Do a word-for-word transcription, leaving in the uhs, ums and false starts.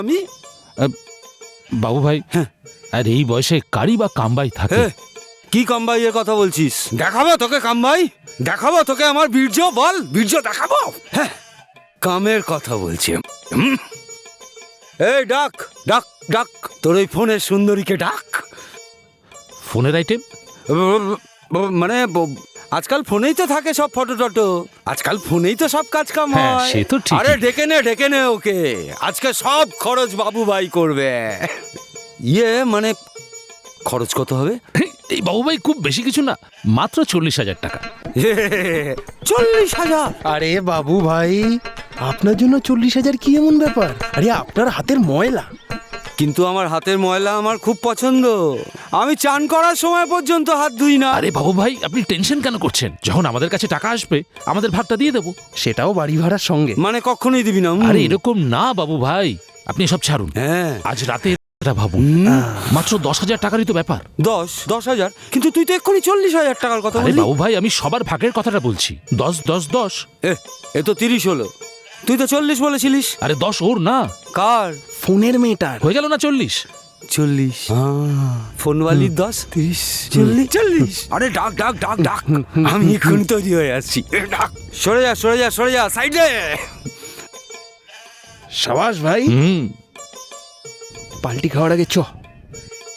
আমি বাবু ভাই, হ্যাঁ, আর এই বয়সে কারি বা কামবাই থাকে? কি কামবাইয়ের কথা বলছিস? দেখাবো তোকে কামবাই, দেখাবো তোকে আমার বীর্য, বল বীর্য দেখাবো। হ্যাঁ, কামের কথা বলছি। হুম? এই ডাক ডাক ডাক, তোর ওই ফোনের সুন্দরীকে ডাক। ফোনের আইটেম? মানে আজকাল ফোনেই তো থাকে সব ফটো টটো, আজকাল ফোনেই তো সব কাজ কাম হ্যাঁ, হয়। সে তো ঠিকই। আরে ডেকে নে ডেকে নে ওকে, আজকে সব খরচ বাবু ভাই করবে। ইয়ে মানে খরচ কত হবে? এই বাবু ভাই খুব বেশি কিছু না, মাত্র চল্লিশ হাজার টাকা। চল্লিশ হাজার? আরে বাবু ভাই, আপনার জন্য চল্লিশ হাজার কি এমন ব্যাপার? আরে আপনার হাতের ময়লা। কিন্তু আমার হাতের ময়লা আমার খুব পছন্দ, আমি চান করার সময় পর্যন্ত হাত ধুই না। আরে বাবু ভাই, আপনি টেনশন কেন করছেন? যখন আমাদের কাছে টাকা আসবে আমাদের ভাগটা দিয়ে দেবো। সেটাও বাড়ি ভাড়ার সঙ্গে। মানে কখনোই দিবি না? আরে এরকম না বাবু ভাই, আপনি সব ছাড়ুন। হ্যাঁ, আজ রাতে এটা ভাবুন, মাত্র দশ হাজার টাকারই তো ব্যাপার। দশ দশ হাজার? কিন্তু তুই তো এক্ষুনি চল্লিশ হাজার টাকার কথা আরে বললি। বাবু ভাই, আমি সবার ভাগের কথাটা বলছি। দশ দশ দশ। এ এ তো তিরিশ হলো, তুই তো চল্লিশ বলেছিলিস। আরে দশ ওর না, কার? ফোনের মেয়েটার। হয়ে গেল না চল্লিশ? চল্লিশ। ফোনওয়ালির দশ, তিরিশ, চল্লিশ চল্লিশ। আরে ডাক ডাক ডাক ডাক, আমি এখন তৈরি হয়ে আসছি। এ, ডাক। সরে যা সরে যা সরে যা, সাইডে। সাবাস ভাই, হুম। পাল্টি খাওয়ার আগে চ।